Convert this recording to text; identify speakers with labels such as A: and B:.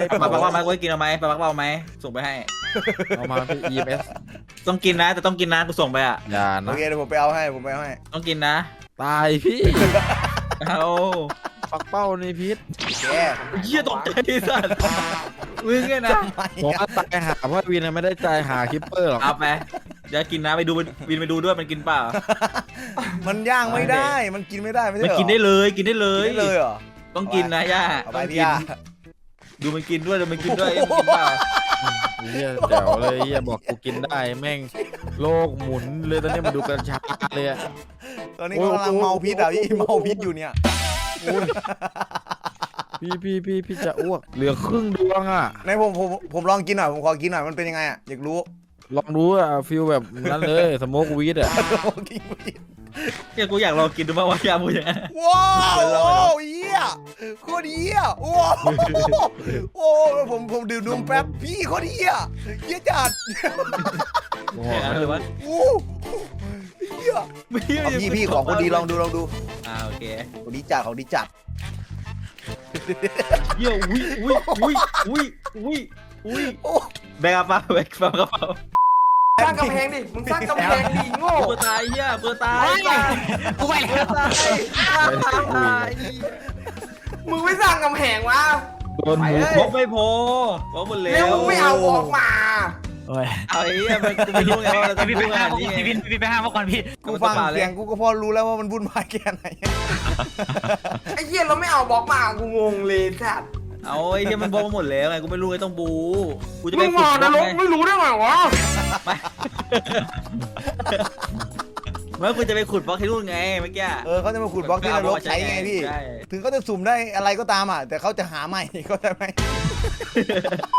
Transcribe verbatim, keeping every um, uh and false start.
A: ปลาปักว่าไหมกูกินเอาไหมปลาปักว่าไหมส่งไปให้
B: เอามาพี่ อี เอ็ม เอส
A: ต้องกินนะแต่ต้องกินนะกูส่งไปอ่ะ
B: อย่า
C: โอ
B: นะ
C: เคเดี๋ยวผมไปเอาให้ผมไปเอาให้
A: ต้องกินนะ
B: ตายพี่
A: เอา
B: ปักเป้าในพิษ
C: แก
A: เหี้ยตกใจสัตว์มึงไงนะ
B: ผมว่าตายหาเพราะวินไม่ได้ใจหาคิปเปอร์หรอก
A: เอาไปเดี๋ยวกินนะไปดูวินไปดูด้วยมันกินเปล่า
C: มันย่างไม่ได้มันกินไม่ได้ไม่ใช่
A: มัน
C: เหรอ
A: กินได้เลยกินได้เล
C: กิ
A: ย
C: นได้เลยเหรอ
A: ต้องกินนะย่า
C: เอาไป
A: ต้อง
C: พี่
A: กิน
C: ย่า
A: ดูมันกินด้วยดูมันกินด้วยมันกินเปล่า
B: เฮียเดี๋ยวเลยเฮียบอกกูกินได้แม่งโลกหมุนเลยตอนนี้มาดูกัญชาเลยอะ
C: ตอนนี้กำลังเมาพิษอ่ะพี่เมาพิษอยู่เนี่ย
B: พี่พี่พี่พี่จะอ้วกเหลือครึ่งดวงอ่ะ
C: ในผมผมผมลองกินหน่อยผมขอกินหน่อยมันเป็นยังไงอ่ะอยากรู้
B: ลองดูอ่ะฟิลแบบนั้นเลยสโมกวีดอ่ะ
C: กินกิน
A: เนี่ยกูอยากลองกินดูมากว่าย่าพูดอย่างนั้น
C: ว้าวเฮียโคตรเฮียว้าวโอ้ผมผมดื่มนมแป๊บพี่โคตรเฮียเฮียจัด
B: โอ้
A: แค่นั้นเลยวะ
C: โอ้เฮียพี่พี่ของคนดีลองดูลองดู
A: อ่าโอเค
C: ของดีจัดของดีจัด
A: เยี่ยอุ้ยอุ้ยอุ้ยอุ้ยอุ้ยอุ้ย
C: โอ้
A: แบกกระเป๋าแบกกระเป๋า
D: สร้างกำแพงดิ มึงสร้างกำแพงดิโง่
A: เพื่อตายเฮียเพื่อตาย
D: กูไป
A: เพื่
D: แล้
A: อ
D: ว
A: ตายตาย
D: มึงไม่สร้างกำแพงวะ
B: โดนหมู
A: พกไม่พอพกหมดแล้
D: แล้ว
A: ว
D: มึงไม่เอาออกมา
E: โอ้ย
A: เอาไอ้เหี้ยมันกูไม่รู้ไงว่าเราจะ
E: พี่
A: พู
E: ไป
A: ดข
E: ห้า
A: นาด
E: ม
A: นี้ไง
E: พี่พี่ไปห้ามมาก่อนพี่
C: กูฟังเสียงกูก็พอรู้แล้วว่ามันวุ่นวายแค่ไหน
D: ไอ้เหี้ยเราไม่เอาบล็อกมา กูงงเลยสัตว์
A: เอาไอ้เหี้ยมันบอกมาหมดแล้วไงกูไม่รู้ไงต้องบูกูจะไป
D: มึง
A: ขุด
D: มา
A: บ
D: น
A: ล็อก
D: รก
A: ไง
D: ไม่รู้ได้ไงวะ
A: ไม่เมื่อกูจะไปขุดบล็อกที่นู่นไงเมื่อกี้
C: เออเขาจะมาขุดบล็อกที่นรกใช้ไงพี่
A: ใช่
C: ถึงเขาจะสุ่มได้อะไรก็ตามอ่ะแต่เขาจะหาใหม่ เขาใจไหม